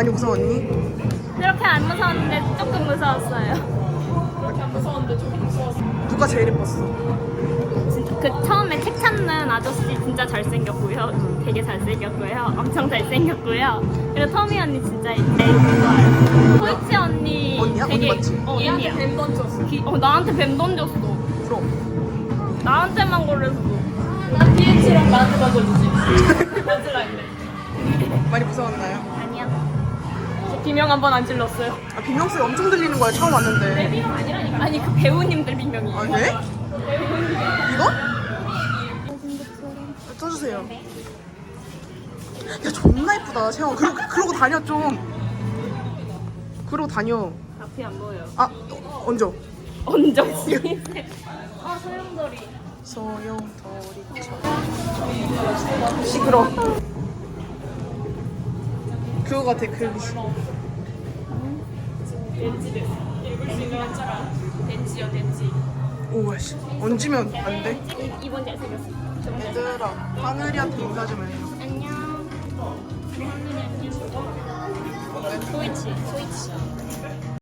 많이 무서웠니? 그렇게 안 무서웠는데 조금 무서웠어요. 그렇게 안 무서웠는데 좀 무서웠어. 누가 제일 예뻤어? 진짜 그 처음에 책 찾는 아저씨 진짜 잘생겼고요. 되게 잘생겼고요. 엄청 잘생겼고요. 그리고 터미 언니 진짜 제일 좋아요. 소이치 언니 언니야? 언니 되게 맞지? 언니야. 뱀 던졌어. 나한테 뱀 던졌어. 그럼 나한테만 걸렸어. 난 PH랑 나한테 던져주지. 던질라 했네. 많이 무서웠나요? 아니야. 저 비명 한 번 안 질렀어요. 아, 비명 소리 엄청 들리는 거야 처음 왔는데. 비명 아니라니까. 아니 그 배우님들 비명이에요. 아 네? 이거? 써주세요. 야 존나 예쁘다 채영. 그러고 다녀 좀. 그러고 다녀. 앞이 안 보여. 아 얹어. 언저씨. 소용돌이. 소용돌이처럼 시끄러. 그거 같아 그. 덴지 됐어. 읽을 수 있는 한자가 덴지요 덴지. 오와 씨 얹으면 안 돼? 이번 잘생겼어. 얘들아 하늘이한테 인사 좀 해. 안녕. 소이치.